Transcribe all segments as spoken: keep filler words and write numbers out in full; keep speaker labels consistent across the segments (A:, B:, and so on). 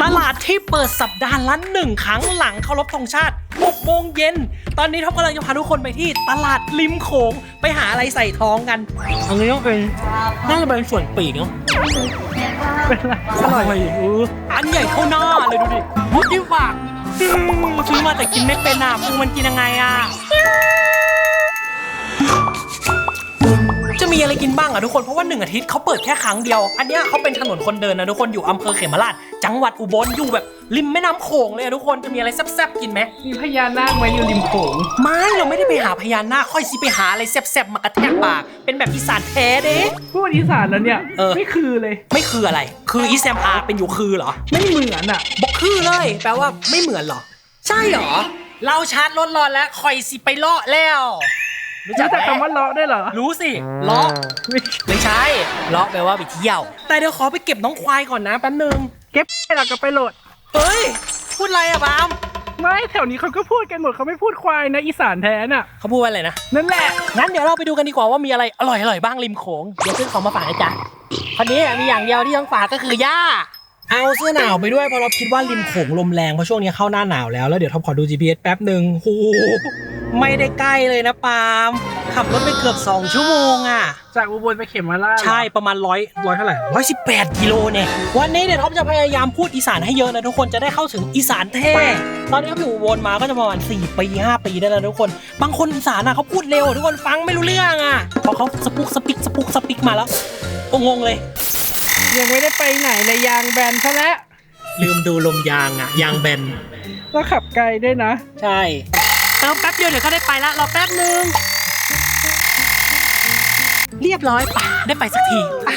A: ตลาดที่เปิดสัปดาห์ละหนึ่งครั้งหลังเคารพธงชาติหกโมงเย็นตอนนี้ท็อปกำลังจะพาทุกคนไปที่ตลาดริมโขงไปหาอะไรใส่ท้องกันอันนี้ต้องเป็นน่าจะเป็นส่วนปีกเนาะเป็นอะไรอร่อยเอออันใหญ่เท่าหน้าเลยดูดิมุดที่ฝากซื้อมาแต่กินไม่เป็นอ่ะมึงมันกินยังไงอ่ะจะมีอะไรกินบ้างอ่ะทุกคนเพราะว่าหนึ่งอาทิตย์เขาเปิดแค่ครั้งเดียวอันนี้เขาเป็นถนนคนเดินนะทุกคนอยู่อำเภอเขมราชจังหวัดอุบลอยู่แบบริมแม่น้ำโขงเลยทุกคนจะมีอะไรแซ่บๆกินไหม
B: มีพญานาคไหมอยู่ริมโขง
A: ไม่เราไม่ได้ไปหาพญานาคค่อยสิไปหาอะไรแซ่บๆมากระแทกปากเป็นแบบอีสานแท้เด้
B: พูดอีสานแล้วเนี่ยไม่คือเลย
A: ไม่คืออะไรคืออีแซมอาเป็นอยู่คือเหรอ
B: ไม่เหมือนอ่ะ
A: บอกคือเลยแปลว่าไม่เหมือนเหรอใช่เหรอเราชาร์จรถรอแล้วค่อยสิไปเลาะแล้ว
B: รู้จักคำว่าเลาะได้เหรอ
A: รู้สิเลาะไม่ใช่เลาะแปลว่าไปเที่ยวแต่เดี๋ยวขอไปเก็บน้องควายก่อนนะแป๊บนึง
B: เก็บไปหลักก็ไปโหลด
A: เฮ้ยพูดอะไรอะบาม
B: ไม่แถวนี้เขาก็พูดกันหมดเขาไม่พูดควายนะอีสานแท้น่ะ
A: เขาพูดว่าอะไรนะ
B: นั่นแหละ
A: งั้นเดี๋ยวเราไปดูกันดีกว่าว่ามีอะไรอร่อยอร่อยบ้างริมโขงเดี๋ยวซื้อของมาฝากนะจ๊ะคนนี้มีอย่างเดียวที่ต้องฝากก็คือย่าเอาเสื้อหนาวไปด้วยเพราะเราคิดว่าริมโขงลมแรงเพราะช่วงนี้เข้าหน้าหนาวแล้วแล้วเดี๋ยวท็อปขอดู จี พี เอส แป๊บหนึ่งโอ้ไม่ได้ใกล้เลยนะปาล์มขับรถไปเกือบสองชั่วโมงอ่ะ
B: จากอุบลไปเขมราช
A: ใช่ประมาณร้อยร้อยเท่าไหร่ร้อยสิบแปดกิโลเนี่ยวันนี้เดี๋ยวท็อปจะพยายามพูดอีสานให้เยอะนะทุกคนจะได้เข้าถึงอีสานแท้ตอนนี้ท็อปอยู่อุบลมาก็จะประมาณสี่ปีห้าปีได้แล้วทุกคนบางคนอีสานอ่ะเขาพูดเร็วทุกคนฟังไม่รู้เรื่องอ่ะพอเขาสปุกสปิกสปุกสปิกมาแล้วงงเลย
B: ยังไม่ได้ไปไหนเลยยางแบนซะแล้ว
A: ลืมดูลมยางอ่ะยางแบน
B: ก็ขับไกลด้วยนะ
A: ใช่เติมแป๊บเดียวเดี๋ยวก็ได้ไปละรอแป๊บนึงเรียบร้อยป่ะได้ไปสักทีป่ะ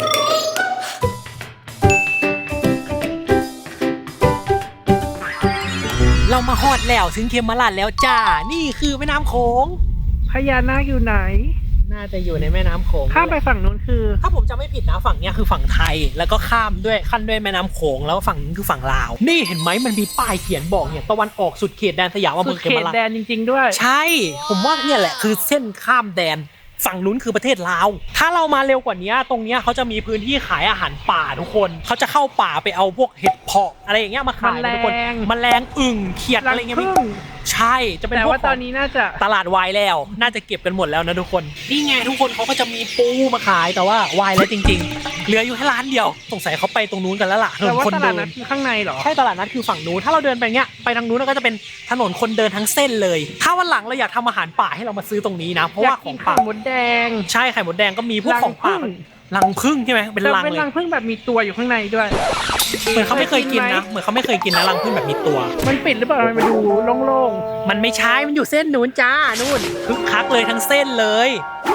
A: เรามาฮอดแล้วถึงเขมราชแล้วจ้านี่คือแม่น้ำโขง
B: พญานาคอยู่ไหน
A: น่าจะอยู่ในแม่น้ำโขง
B: ข้ามไปฝั่งนู้นคือ
A: ถ้าผมจำไม่ผิดนะฝั่งนี้คือฝั่งไทยแล้วก็ข้ามด้วยขั้นด้วยแม่น้ำโขงแล้วฝั่งนี้คือฝั่งลาวนี่เห็นไหมมันมีป้ายเขียนบอกเนี่ยตะวันออกสุดเขตแดนสยามอำเภอเขมราช
B: สุดเขตแดนจริงๆด้วย
A: ใช่ผมว่าเนี่ยแหละคือเส้นข้ามแดนฝั่งนู้นคือประเทศลาวถ้าเรามาเร็วกว่านี้ตรงนี้เขาจะมีพื้นที่ขายอาหารป่าทุกคนเขาจะเข้าป่าไปเอาพวกเห็ดเพาะอะไรอย่างเงี้ยมาขายทุกคนแมลงอึ่งเขียดอะไรเงี้ยใช่จะเป็น
B: แต่ว่าตอนนี้น่าจะ
A: ตลาดวายแล้วน่าจะเก็บกันหมดแล้วนะทุกคนนี่ไงทุกคนเขาก็จะมีปูมาขายแต่ว่าวายแล้วจริงๆเหลืออยู่แค่ร้านเดียวสงสัยเขาไปตรงนู้นกันแล้วล่ะ
B: แต่ว่าตลาดนัดคือข้างในเหรอ
A: ใช่ตลาดนัดคือฝั่งนู้นถ้าเราเดินไปเงี้ยไปทางนู้นก็จะเป็นถนนคนเดินทั้งเส้นเลยถ้าวันหลังเราอยากทำอาหารป่าให้เรามาซื้อตรงนี้นะเพราะว่าของป่า
B: หมดแดง
A: ใช่ไข่มดแดงก็มีพวกของป่ารังผึ้งใช่ไหมเป็นรังเลย
B: เป็นรังผึ้งแบบมีตัวอยู่ข้างในด้วย
A: เหมือนเขาไม่เคยกินนะเหมือนเขาไม่เคยกินนะรังผึ้งแบบมีตัว
B: มันปิดหรือเปล่ามันมาดูโล่ง
A: ๆมันไม่ใช่มันอยู่เส้นนู้นจ้านู่นคึกคักเลยทั้งเส้นเลย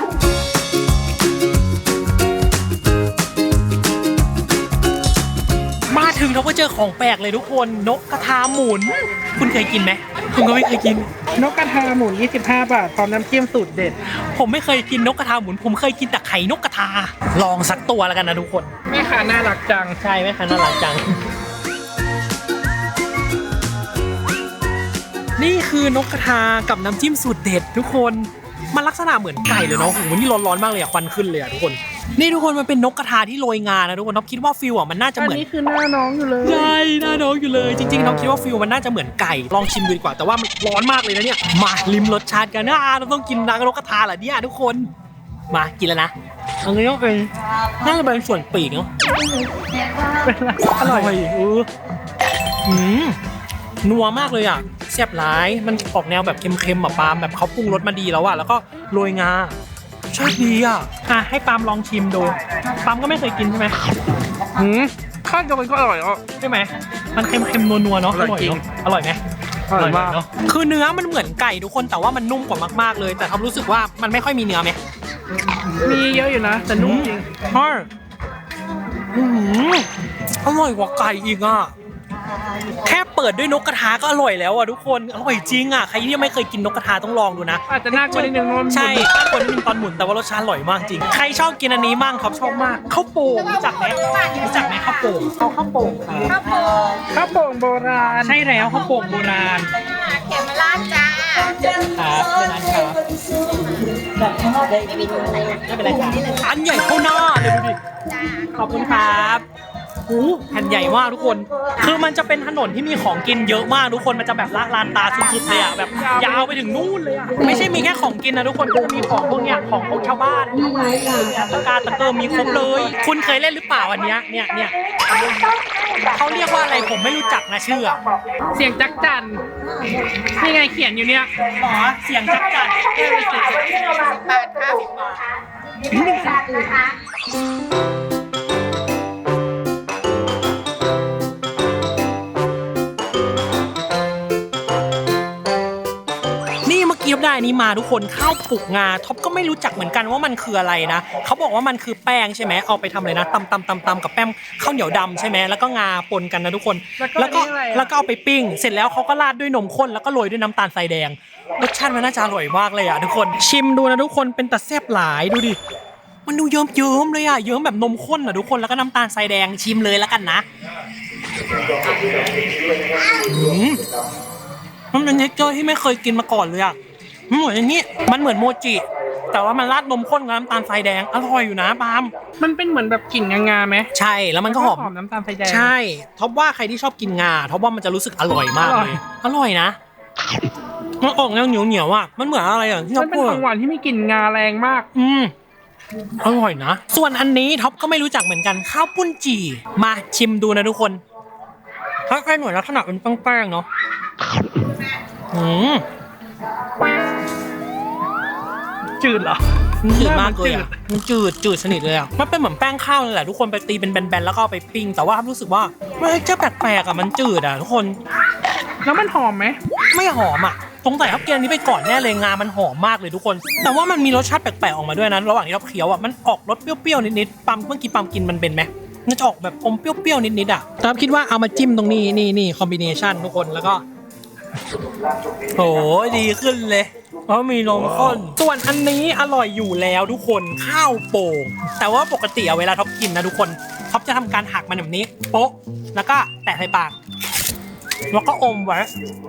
A: มาถึงเราก็เจอของแปลกเลยทุกคนนกกระทาหมุนคุณเคยกินไหมคุณก็ไม่เคยกิน
B: นกกระทาหมุนยี่สิบห้าบาทพร้อมน้ำจิ้มสูตรเด็ด
A: ผมไม่เคยกินนกกระทาหมุนผมเคยกินแต่ไข่นกกระทาลองสักตัวแล้วกันนะทุกคน
B: แม่ค้าน่ารักจัง
A: ใช่แม่ค้าน่ารักจังนี่คือนกกระทากับน้ำจิ้มสูตรเด็ดทุกคนมันลักษณะเหมือนไก่เลยเนาะโอ้โหนี่ร้อนๆมากเลยอะควันขึ้นเลยอะทุกคนนี่ทุกคนมันเป็นนกกระทาที่โรยงานะทุกคนน้องคิดว่าฟิลอะมันน่าจะเหมือน
B: อันนี้คือหน้าน้องอยู่เลย
A: ใช่หน้าน้องอยู่เลยจริงๆน้องคิดว่าฟิลมันน่าจะเหมือนไก่ลองชิมดูดีกว่าแต่ว่ามันร้อนมากเลยนะเนี่ยมาลิ้มรสชาติกันนะเราต้องกินนางนกกระทาเหรอเนี่ยทุกคนมากินแล้วนะอันนี้ก็เป็นน่าจะเป็นส่วนปีกเนาะ
B: อร่อย
A: เออหืมนัวมากเลยอ่ะแซ่บร้ายมันออกแนวแบบเค็มๆแบบปาล์มแบบเขาปรุงรสมาดีแล้วอ่ะแล้วก็โรยงาชอบดีอ่ะอ่ะให้ปาล์มลองชิมดูปาล์มก็ไม่เคยกินใช่ไหม
B: หืมข้าวเดียวกันก็อร่อยอ่ะ
A: ใช่ไหมมันเค็มๆนัวๆเนาะอร่อยเนาะอร่อยไหม
B: อร่อยมาก
A: เนาะคือเนื้อมันเหมือนไก่ทุกคนแต่ว่ามันนุ่มกว่ามากๆเลยแต่ทำรู้สึกว่ามันไม่ค่อยมีเนื้อไหม
B: มีเยอะอยู่นะแต่นุ่มจริง
A: ใช่อร่อยกว่าไก่อีกอ่ะแค่เปิดด้วยนกกระทาก็อร่อยแล้วอ่ะทุกคนอร่อยจริงอ่ะใครที่ยังไม่เคยกินนกกระทาต้องลองดูนะ
B: อาจจะน่ากลัวนิดนึง
A: ใช่น่ากลัวนิดนึงตอนหมุนแต่ว่ารสชาติอร่อยมากจริงใครชอบกินอันนี้มั่งครับชอบมากข้าวโป่งรู้จักไหมรู้จักไหมข้าวโป่งเอาข้าวโป่ง
B: ข้าวโป่งข้าวโป่งโบราณ
A: ใช่แล้วข้าวโป่งโบราณ
C: เขมราชจ้า
A: ครับเป็นอันครับแบบไม่มีถุงอะไรไม่เป็นไรจ้าอันใหญ่เท่าหน้าเลยดูดิขอบคุณครับโอ้แผ่นใหญ่มากทุกคน คือมันจะเป็นถนนที่มีของกินเยอะมากทุกคน มันจะแบบละลานตาสุดๆเลยอ่ะแบบยาวไปถึงนู่นเลยอ่ะ ไม่ใช่มีแค่ของกินนะทุกคนก็จะมีของพวกเนี้ยของพวกชาวบ้านตะการตะเกิมมีครบเลย คุณเคยเล่นหรือเปล่าอันเนี้ยเนี่ยเนี่ยเขาเรียกว่าอะไรผมไม่รู้จักนะชื่อ
B: เสียงจักจั่นนี่ไงเขียนอยู่เนี่ย
A: หมอเสียงจักจั่น
C: บาทห้าสิบบาทนะคะ
A: นี่เมื่อกี้ได้นี้มาทุกคนข้าวปลุกงาท็อปก็ไม่รู้จักเหมือนกันว่ามันคืออะไรนะเขาบอกว่ามันคือแป้งใช่ไหมเอาไปทำอะไรนะตำตำตำตำกับแป้งข้าวเหนียวดำใช่ไหมแล้วก็งาปนกันนะทุกคนแล้วก็แล้วก็เอาไปปิ้งเสร็จแล้วเขาก็ราดด้วยนมข้นแล้วก็โรยด้วยน้ำตาลทรายแดงรสชาติมันน่าจะอร่อยมากเลยอ่ะทุกคนชิมดูนะทุกคนเป็นตะแซ่บหลายดูดิมันดูเยิ้มเยิ้มเลยอ่ะเยิ้มแบบนมข้นอ่ะทุกคนแล้วก็น้ำตาลทรายแดงชิมเลยแล้วกันนะมันเป็นเท็กเจอร์ที่ไม่เคยกินมาก่อนเลยอ่ะมันเหมือนอย่างนี้มันเหมือนโมจิแต่ว่ามันราดนมข้นกับน้ำตาลทรายแดงอร่อยอยู่นะปาล์ม
B: มันเป็นเหมือนแบบกลิ่นงาๆไหม
A: ใช่แล้วมันก็หอม
B: หอมน้ำตาลทรายแดง
A: ใช่ท็อปว่าใครที่ชอบกินงาท็อปว่ามันจะรู้สึกอร่อยมากเลยอร่อยนะมันออกแนวเหนียวเหนียวอ่ะมันเหมือนอะไรอ่ะที่ท็อ
B: มั
A: ป
B: นเป็น
A: พูด
B: ของหวานที่มีกลิ่นงาแรงมาก
A: อืมอร่อยนะส่วนอันนี้ท็อปก็ไม่รู้จักเหมือนกันข้าวปุ้นจี่มาชิมดูนะทุกคนถ้าใครหน่วยลักษณะเป็นแป้งๆเนาะอืม
B: จืดเหรอ
A: มันจืดมากเลยอ่ะมันจืดจืดสนิทเลยอ่ะมันเป็นเหมือนแป้งข้าวนั่นแหละทุกคนไปตีเป็นแบนๆแล้วก็เอาไปปิ้งแต่ว่ารู้สึกว่ามันจะแปลกๆอ่ะมันจืดอ่ะทุกคน
B: แล้วมันหอมไหม
A: ไม่หอมอ่ะสงสัยเขาเกียนนี้ไปก่อนแน่เลยงามันหอมมากเลยทุกคน แต่ว่ามันมีรสชาติแปลกๆออกมาด้วยนะระหว่างที่เราเคี้ยวอ่ะมันออกรสเปรี้ยวๆนิดๆปั๊มเมื่อกี้ปั๊มกินมันเป็นไหมมันจะออกแบบอมเปรี้ยวๆนิดๆอ่ะแต่คิดว่าเอามาจิ้มตรงนี้นี่นี่คอมบิเนชันทุกคนแล้วก็โหดีขึ้นเลยเพราะมีนมข้นส่วนอันนี้อร่อยอยู่แล้วทุกคนข้าวโป่งแต่ว่าปกติเวลาท็อปกินนะทุกคนท็อปจะทำการหักมันแบบนี้โป๊ะแล้วก็แตะใส่ปากแล้วก็อมไว้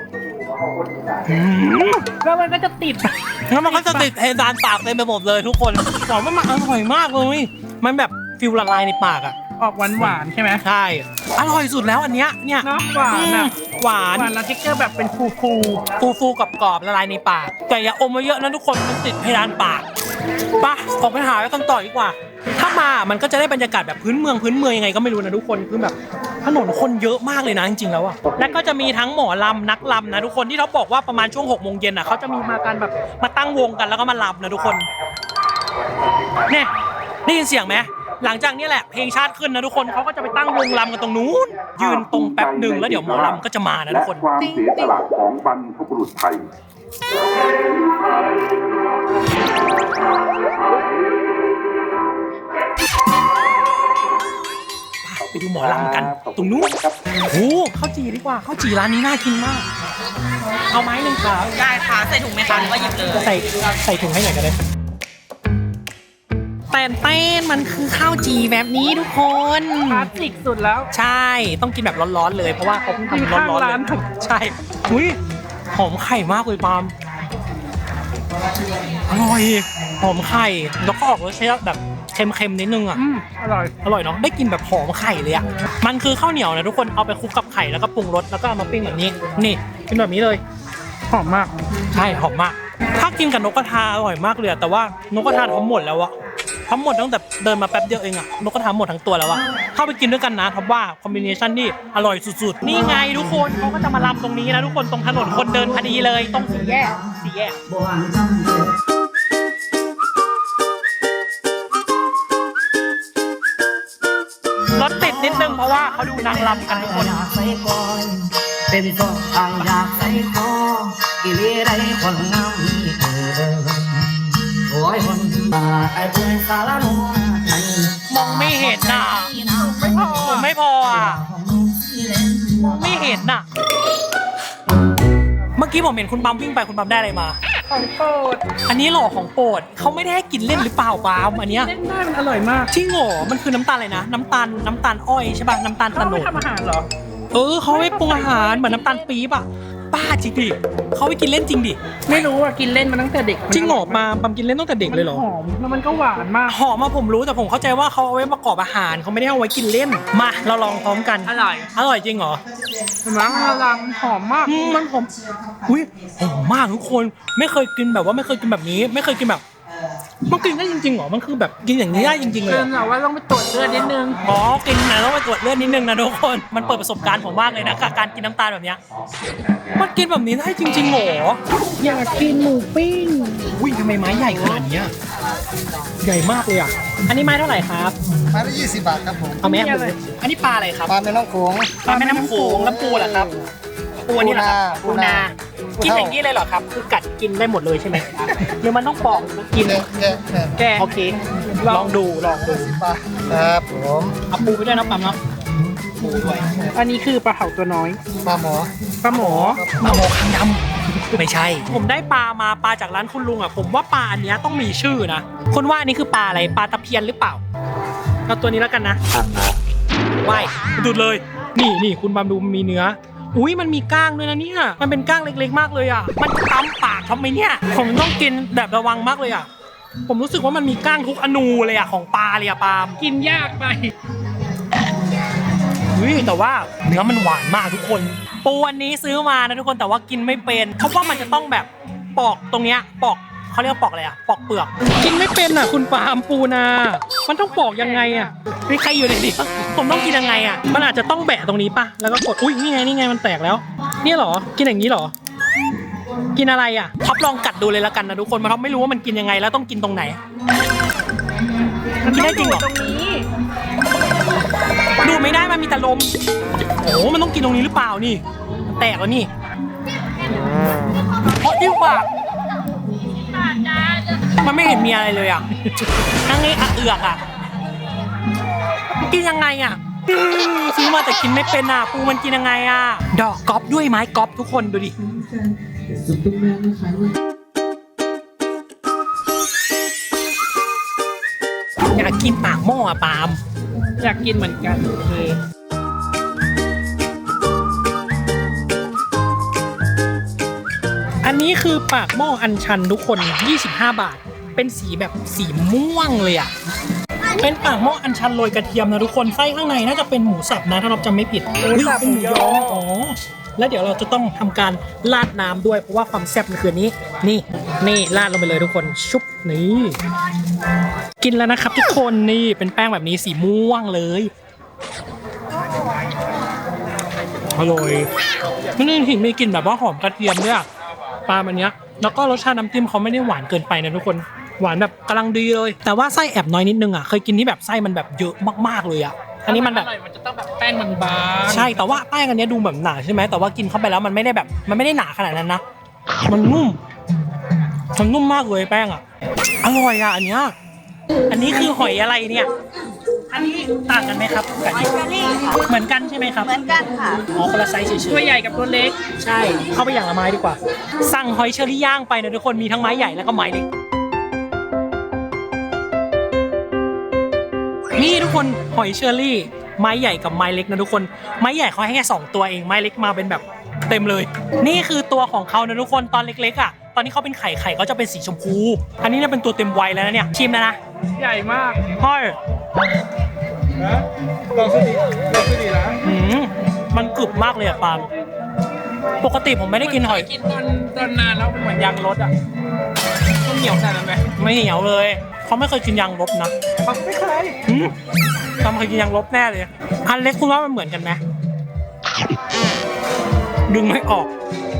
B: แล้วมันก็จะติด
A: แล้วมันก็จะติดเพดานปากเต็มไปหมดเลยทุกคนบอกว่ามันอร่อยมากเลยมันแบบฟิลละลายในปากอ่ะ
B: ออกหวานหวานๆใช่ไหม
A: ใช่อร่อยสุดแล้วอันเนี้ยเนี่ย
B: เนาะหวานอ่ะ
A: หวาน
B: หวานแล้วเท็กเจอร์แบบเป็นฟูฟู
A: ฟูฟูกับกรอบละลายในปากแต่อย่าอมมาเยอะนะทุกคนมันติดเพดานปากป่ะออกไปหากันต่อดีกว่าถ้ามามันก็จะได้บรรยากาศแบบพื้นเมืองพื้นเมืองยังไงก็ไม่รู้นะทุกคนคือแบบถนนคนเยอะมากเลยนะจริงๆแล้วอะและก็จะมีทั้งหมอลำนักลำนะทุกคนที่เขาบอกว่าประมาณช่วงหกโมงเย็นอะเขาจะมีมากันแบบมาตั้งวงกันแล้วก็มาลำนะทุกคนเนี่ยได้ยินเสียงไหมหลังจากนี้แหละเพลงชาติขึ้นนะทุกคนเขาก็จะไปตั้งวงลำกันตรงนู้นยืนตรงแป๊บหนึ่งแล้วเดี๋ยวหมอลำก็จะมานะทุกคน
D: ความเสียสละของบรรพบุรุษไทย
A: ไปดูหมอลำกันตรงนู้นโอ้ข้าวจีดีกว่าข้าวจีร้านนี้น่ากินมากเอาไม้หนึ่งครับ
C: ได้ค่ะใส่ถุงไหมคะหรือว่าหยิบเลย
A: ใส่ใส่ถุงให้หน่อยก็ได้แต่เต้นมันคือข้าวจีแบบนี้ทุกคน
B: ๆคลาสสิกสุดแล้ว
A: ใช่ต้องกินแบบร้อนๆเลยเพราะว่าเขาเพิ่งทำร้อนๆ
B: ข้าง
A: เล
B: ร้าน
A: ยใช่อุ้ยหอมไข่มากเลยปาล์มอร่อยหอมไข่แล้วก็ออกรสชาติแบบเค็มๆนิดนึงอ่ะ
B: อืมอร่อย
A: อร่อยเนาะได้กินแบบหอมไข่เลยอ่ะมันคือข้าวเหนียวนะทุกคนเอาไปคลุกกับไข่แล้วก็ปรุงรสแล้วก็เอามาปิ้งแบบนี้นี่กินแบบนี้เลย
B: หอมมาก
A: ใช่หอมมากถ้ากินกับนกกระทาอร่อยมากเลยอะแต่ว่านกกระทาทำหมดแล้วอะทำหมดตั้งแต่เดินมาแป๊บเดียวเองอะนกกระทาหมดทั้งตัวแล้วอะเข้าไปกินด้วยกันนะท็อปว่าคอมบิเนชันนี่อร่อยสุดๆนี่ไงทุกคนเขาก็จะมาลำตรงนี้นะทุกคนตรงถนนคนเดินพอดีเลยตรงสี่แยกสี่แยกรถติดนิดนึงเพราะว่าเขาดูนางรำกันทุกคน
E: เป็นต้นทางอยากใส่คอกิเลสใดคนงามมีเออโอ้ยคนตาไอ้เพื่อนสารโนไทย
A: มองไม่เห็นน่ะผมไม่พออ่ะมองไม่เห็นน่ะเมื่อกี้ผมเห็นคุณปั๊มวิ่งไปคุณปั๊มได้อะไรมา
B: ของโปรด
A: อันนี้หรอของโปรดเขาไม่ได้ให้กินเล่นหรือเปล่าปาล์มอันเนี้ย
B: เล่นได้มันอร่อยมาก
A: จริงเหรอมันคือน้ำตาลอะไรนะน้ำตาลน้ำตาลอ้อยใช่ป่ะน้ำตาล
B: เขา
A: ตะโน
B: ไม่
A: ด
B: ทำอาหารเหรอ
A: เออเขาไม่ปรุงอาหารเหมือนน้ำตาลปี๊บอ่ะบ้าจริงดิเขาไปกินเล่นจริงดิ
B: ไม่รู้อ่ะกินเล่นมาตั้งแต่เด็ก
A: จริงเหรอปาปามกินเล่นตั้งแต่เด็กเลยเหรอ
B: หอมแล้วมันก็หวานมาก
A: หอมมาผมรู้แต่ผมเข้าใจว่าเขาเอาไว้ประกอบอาหารเขาไม่ได้เอาไว้กินเล่นมาเราลองพร้อมกัน
B: อร่อย
A: อร่อยจริงเหรอ
B: เห็นไหมมันลังหอมมาก
A: อืมมันหอมอุ้ยหอมมากทุกคนไม่เคยกินแบบว่าไม่เคยกินแบบนี้ ไม่เคยกินแบบมันกินได้จริงๆเหรอมันคือแบบกินอย่างนี้ได้จริงๆเลย
B: เกิ
A: เหร
B: น
A: อ
B: แต่ว่าต้องไปตรวจเลือดนิดนึง
A: อ๋อกินนะต้องไปตรวจเลือดนิดนึงนะทุกคนมันเปิดประสบการณ์ผมมากเลยนะกับการกินน้ำตาลแบบเนี้ยมันกินแบบนี้ได้จริงๆเหรอ
B: อยากกินหมูปิ้ง
A: อุ้ยทำไมไม้ใหญ่ขนาดเนี้ยใหญ่มากเลยอ่ะอันนี้ไม้เท่าไหร่ครับ
F: ไม้ละยี่สิบบาทครับผม
A: เอาไหมครับอันนี้ปลาอะไรครับ
F: ปลาแม่น้ำโขง
A: ปลาแม่น้ำโขงแล้วปูล่ะครับปูอันนี้เหรอครับ
F: ปูนา
A: กินอย่างนี้เลยเหรอครับคือกัดกินได้หมดเลยใช่ไหมหรือมันต้องปอกกิน
F: แกะแกะแกะ
A: แกโอเคลองดูลองดู
F: ปลาครับผม
A: เอาปูไปด้วยนะปั๊มเนาะปูด้วย
B: อันนี้คือปลาเผาตัวน้อย
F: ปลาหมอ
B: ปลาหมอ
A: ปลาหมอคางดำไม่ใช่ ผมได้ปลามาปลาจากร้านคุณลุงอ่ะผมว่าปลาอันเนี้ยต้องมีชื่อนะคนว่าอันนี้คือปลาอะไรปลาตะเพียนหรือเปล่าเอาตัวนี้แล้วกันนะว่ายดูดเลย นี่นี่คุณบามดูมีเนื้ออุ้ยมันมีก้างด้วยนะเนี่ยมันเป็นก้างเล็กๆมากเลยอ่ะมันตำปากทำไมเนี่ยผมต้องกินแบบระวังมากเลยอ่ะผมรู้สึกว่ามันมีก้างทุกอนูเลยอ่ะของปลาเลยอ่ะปาล์ม
B: กินยากไป
A: อุ้ยแต่ว่าเนื้อมันหวานมากทุกคนปูอันนี้ซื้อมานะทุกคนแต่ว่ากินไม่เป็นเพราะว่ามันจะต้องแบบปอกตรงเนี้ยปอกเขาเรียกว่าปอกอะไรอ่ะปอกเปลือกกินไม่เป็นอ่ะคุณปาล์มปูนามันต้องปอกยังไงอ่ะมีใครอยู่ในนี้ผมต้องกินยังไงอ่ะมันอาจจะต้องแบะตรงนี้ป่ะแล้วก็กดอุ้ยนี่ไงนี่ไงมันแตกแล้วเนี่ยเหรอกินอย่างนี้เหรอกินอะไรอ่ะท็อปลองกัดดูเลยละกันนะทุกคนมาท็อปไม่รู้ว่ามันกินยังไงแล้วต้องกินตรงไหนกินได้จริงเหรอ
B: ตรงนี้
A: ดูไม่ได้มันมีแต่ลมโอ้มันต้องกินตรงนี้หรือเปล่านี่มันแตกแล้วนี่เพราะยิ่งปากมันไม่เห็นมีอะไรเลยอ่ะทั้งนี้อะเอือกอ่ะกินยังไงอ่ะซื้อมาแต่กินไม่เป็นอ่ะปูมันกินยังไงอ่ะดอกก๊อปด้วยไม้ก๊อปทุกคนดูดิอยากกินปากหม้ออ่ะปาล์ม
B: อยากกินเหมือนกันโอเค
A: อันนี้คือปากหม้ออัญชันทุกคนยี่สิบห้าบาทเป็นสีแบบสีม่วงเลยอ่ะเป็นปากหม้ออัญชันโรยกระเทียมนะทุกคนไส้ข้างในน่าจะเป็นหมูสับนะถ้าเราจำไม่ผิดอุ๊ยเป็นหมูยออ๋อแล้วเดี๋ยวเราจะต้องทำการราดน้ำด้วยเพราะว่าความแซ่บมันคือนี้นี่นี่ราดลงไปเลยทุกคนชุบนี่กินแล้วนะครับทุกคนนี่เป็นแป้งแบบนี้สีม่วงเลยอร่อยมันนี่ถึงมีกลิ่นแบบว่าหอมกระเทียมด้วยอะปลามันเนี้ยแล้วก็รสชาติน้ำจิ้มเขาไม่ได้หวานเกินไปนะทุกคนหวานแบบกำลังดีเลยแต่ว่าไส้แอบน้อยนิดนึงอ่ะเคยกินที่แบบไส้มันแบบเยอะมากๆเลยอ่ะอันนี้มันแบบ
B: อร่อยมันจะต้องแบบแป้งบางๆ
A: ใช่แต่ว่าแป้งอันเนี้ยดูแบบหนาใช่ไหมแต่ว่ากินเข้าไปแล้วมันไม่ได้แบบมันไม่ได้หนาขนาดนั้นนะมันนุ่มมันนุ่มมากเลยแป้งอ่ะอร่อยอ่ะอันเนี้ยอันนี้คือหอยอะไรเนี่ยอันนี้ต่างกันไหมครับกับ
C: หอยเชอรี่ค่ะ
A: เหมือนกันใช่ไหมครับ
C: เหมือนกันค่ะ
A: อ๋อคนละไซส์เฉยๆ
B: ตัวใหญ่กับตัวเล็ก
A: ใช่ เข้าไปอย่างละไม้ดีกว่า สั่งหอยเชอรี่ย่างไปนะทุกคน มีทั้งไม้ใหญ่แล้วก็ไม้เล็ก นี่ทุกคนหอยเชอรี่ ไม้ใหญ่กับไม้เล็กนะทุกคน ไม้ใหญ่เขาให้แค่สองตัวเอง ไม้เล็กมาเป็นแบบเต็มเลย นี่คือตัวของเขานะทุกคน ตอนเล็กๆอ่ะ ตอนนี้เขาเป็นไข่ไข่เขาจะเป็นสีชมพู อันนี้เนี่ยเป็นตัวเต็มวัยแล้วนะเนี่ย ชิมแล้วนะ
B: ใหญ่มาก
A: พ่อย
F: ลองซื้อดีลองซื้อดีนะ
A: อืมมันกรึบมากเลยอะปาล์มปกติผมไม่ได้กินหอย
B: กินตอนตอนนานแล้วมันเหมือนยางรถอ่ะมันเหนียวขนาดนั้นไหม
A: ไม่เหนียวเลยเขาไม่เคยกินยางลบนะ
B: ไม่เคย
A: อืมทำเคยกินยางลบแน่เลยอันเล็กคุณว่ามันเหมือนกันไหมดึงไม่ออก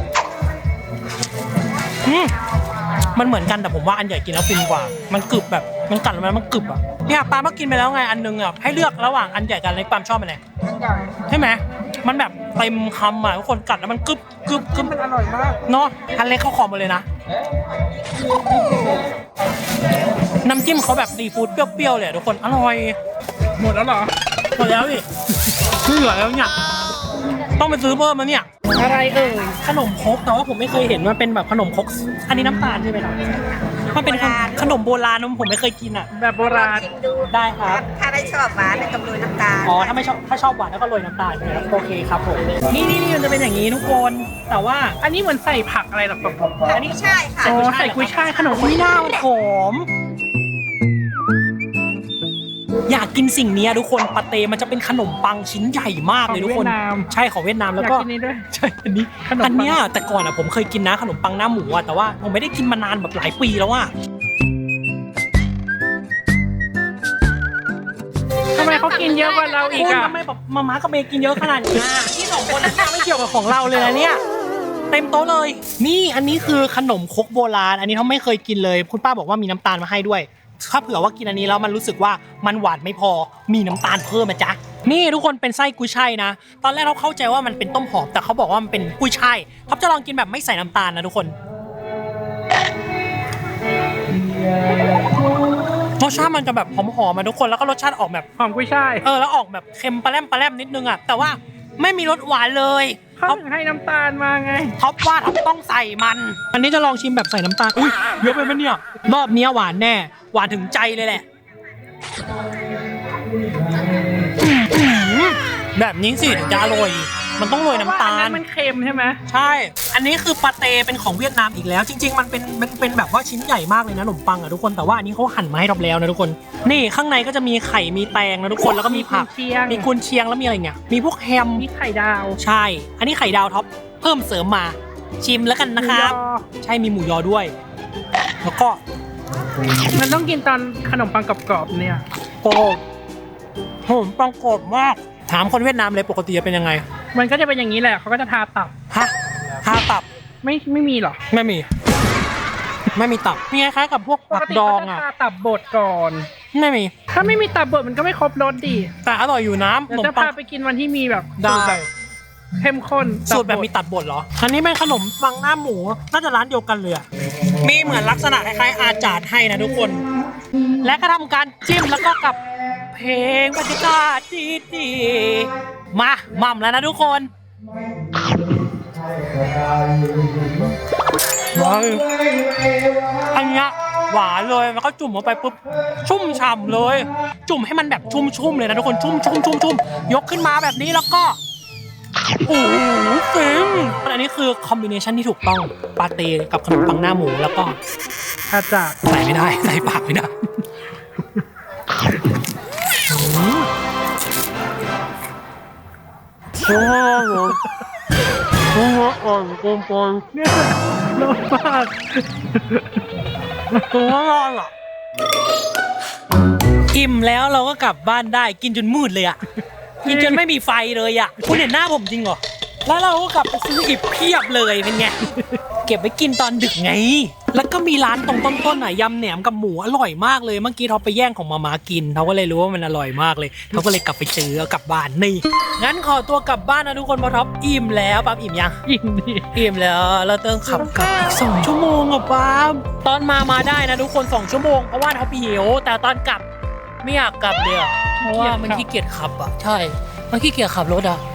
A: อืมมันเหมือนกันแต่ผมว่าอันใหญ่กินแล้วฟินกว่า มันกรึบแบบมันกัดแล้วมันกรึบอ่ะเนี่ยปาล์มก็กินไปแล้วไงอันนึงอ่ะให้เลือกระหว่างอันใหญ่กับอันเล็กปาล์มชอบอันไหนใช่ไหมมันแบบเต็มคำอ่ะทุกคนกัดแล้วมันกรึบกรึบกรึบ
B: มันอร่อยมาก
A: เนาะอันเล็กเขาขอหมดเลยนะน้ำจิ้มเขาแบบซีฟู้ดเปรี้ยวๆเลยทุกคนอร่อย
B: หมดแล้วเหรอ
A: หมดแล้วดิไม่เหลือแล้วเนี่ยต้องไปซื้อเพิ่มแล้วเนี่ย
B: อะไรเอ่ย
A: ขนมครกแต่ว่าผมไม่เคยเห็นมันเป็นแบบขนมครกอันนี้น้ำตาลใช่ไหมครับมันเป็นขนมโบราณนะผมไม่เคยกินอ่ะ
B: แบบโบราณ
C: ชิมดู
A: ได้ครับ
C: ถ้าได้ชอบหวานแล้วก็โรยน้ำตาล
A: อ๋อถ้าไม่ชอบถ้าชอบหวานแล้วก็โรยน้ำตาลใช่ไหมครับโอเคครับผมนี่นี่นี่มันจะเป็นอย่างนี้ทุกคนแต่ว่า
B: อันนี้เหมือนใส่ผักอะไรหรอครับผม
C: อันนี้ใช่ค่ะ
B: อ๋อใส่กุ้ยช่ายขนม
A: ไม่น่ามันหอมอยากกินสิ่งนี้ทุกคนปาเต้มันจะเป็นขนมปังชิ้นใหญ่มากเลยทุกคน
B: เวียดนาม
A: ใช่ของเวียดนาม
B: อ
A: แล้ว
B: ยาก
A: ก็
B: กินนี้ด้วย
A: ใช่อันนี้
B: ขนมปัง
A: อันเนี้ยแต่ก่อนอ่ะผมเคยกินนะขนมปังหน้าหมูอ่ะแต่ว่าผมไม่ได้กินมานานแบบหลายปีแล้วอ่ะ
B: ทำไมเขากินเยอะกว่าเราอีก
A: คุณ
B: อ่ะ
A: ทำไมแบบมาม่ากับเมย์กินเยอะขนาดนี้อ่ะที่สองคนนั้นไม่เกี่ยวกับของเราเลยนะเนี่ยเต็มโต๊ะเลย นี่อันนี้คือขนมครกโบราณ อันนี้เขาไม่เคยกินเลยคุณป้าบอกว่ามีน้ำตาลมาให้ด้วยถ้าเผื่อว่ากินอันนี้แล้วมันรู้สึกว่ามันหวานไม่พอมีน้ำตาลเพิ่มนะจ๊ะนี่ทุกคนเป็นไส้กุ้ยช่ายนะตอนแรกเราเข้าใจว่ามันเป็นต้มหอมแต่เขาบอกว่ามันเป็นกุ้ยช่ายท็อปจะลองกินแบบไม่ใส่น้ำตาลนะทุกคนรสชาติมันจะแบบหอมๆมาทุกคนแล้วก็รสชาติออกแบบ
B: หอมกุ้ยช่าย
A: เออแล้วออกแบบเค็มปลาแรมปลาแรมนิดนึงอ่ะแต่ว่าไม่มีรสหวานเลย
B: เขา
A: ท็อป
B: ถึงให้น้ำตาลมาไง
A: ท็อปว่าท็อปต้องใส่มัน อันนี้จะลองชิมแบบใส่น้ำตาลอุ้ยเยอะไปไหมเนี่ยรอบนี้หวานแน่หวานถึงใจเลยแหละอื้อหือแบบนี้สิถึงจะอร่อยมันต้องโรยน้ำตา
B: เพระว่อั
A: ล
B: นมันเค็มใช่ไหม
A: ใช่ อันนี้คือปาเต้เป็นของเวียดนามอีกแล้ว จริง ๆ มันเป็นเป็นเป็นแบบว่าชิ้นใหญ่มากเลยนะขนมปังอ่ะทุกคนแต่ว่าอันนี้เขาหั่นมาให้เราแล้วนะทุกคนนี่ข้างในก็จะมีไข่มีแตงนะทุกคนแล้วก็มีผัก
B: เชียง
A: มีกุนเชียงแล้วมีอะไรเงี้ยมีพวกแฮม
B: มีไข่ดาว
A: ใช่ อันนี้ไข่ดาวท็อปเพิ่มเสริมมาชิมแล้วกันนะครับ
B: หมูยอ
A: ใช่มีหมูยอด้วย แล้วก็
B: มันต้องกินตอนขนมปังกรอบๆเนี่ย
A: โอ้โหผมปังกรอบมากถามคนเวียดนามเลยปกติจะเป็นยังไง
B: มันก็จะเป็นอย่างนี้แหละเขาก็จะทาตับ
A: ฮะทาตับ
B: ไม่ไม่มีหรอ
A: ไม่มี ไม่มีตับมีคล้ายๆกับพวก
B: ป
A: ผั
B: ก
A: ก
B: ติ
A: ดอ
B: เขา
A: ง
B: จะ
A: อ่ะ
B: ทาตับบดก่อน
A: ไม่มี
B: ถ้าไม่มีตับบดมันก็ไม่ครบรสดิ
A: แต่อร่อยอยู่นะข
B: เดี๋ย
A: น
B: ว
A: ม
B: จะ
A: ปั
B: พาง ไปกินวันที่มีแบบ
A: ได้
B: สูตรแบบเข้มข้น
A: สูตรแบบ
B: ด
A: มีตัดบดเหรอ อันนี้เป็นขนมปังหน้าหมู น่าจะร้านเดียวกันเลยอะมีเหมือนลักษณะคล้ายๆอาจารย์ให้นะทุกคน และก็ทำการจิ้มแล้วก็กับเพลงบรรยากาศดีๆมาหม่ำแล้วนะทุกคนว้าวอันเนี้ยหวานเลยแล้วก็จุ่มลงไปปุ๊บชุ่มฉ่ำเลย จุ่มให้มันแบบชุ่มๆเลยนะทุกคนชุ่มชุ่มชุ่มชุ่มยกขึ้นมาแบบนี้แล้วก็ โอ้โหฟินอันนี้คือคอมบิเนชันที่ถูกต้องปาเต้กับขนมปังหน้าหมูแล้วก็
B: อาจารย์
A: ใส่ไม่ได้ใส่ปากไม่ได้โอ้โหโอ้โหอ่อนกลมกลม
B: เนี่ยรสมาก
A: ตัวร้อนอ่ะอิ่มแล้วเราก็กลับบ้านได้กินจนมืดเลยอ่ะกินจนไม่มีไฟเลยอ่ะคุณเห็นหน้าผมจริงเหรอแล้วเราก็กลับไปซื้ออีกเพียบเลยเป็นไงเก็บไว้กินตอนดึกไงแล้วก็มีร้านตรงต้นๆอ่ะยำแหนมกับหมูอร่อยมากเลยเมื่อกี้เขาไปแย่งของมาม่ากินเขาก็เลยรู้ว่ามันอร่อยมากเลยเขาก็เลยกลับไปซื้อเอากลับบ้านนี่งั้นขอตัวกลับบ้านนะทุกคนเพราะท็อปอิ่มแล้วปั๊บอิ่มยัง
B: ยินดี
A: อิ่มแล้วเราต้องขับกลับอีกสองชั่วโมงอ่ะปั๊บตอนมามาได้นะทุกคนสองชั่วโมงเพราะว่าท็อปหิวแต่ตอนกลับไม่อยากกลับเลยอะเพราะว่ามันขี้เกียจขับอ่ะใช่มันขี้เกียจขับรถอ่ะ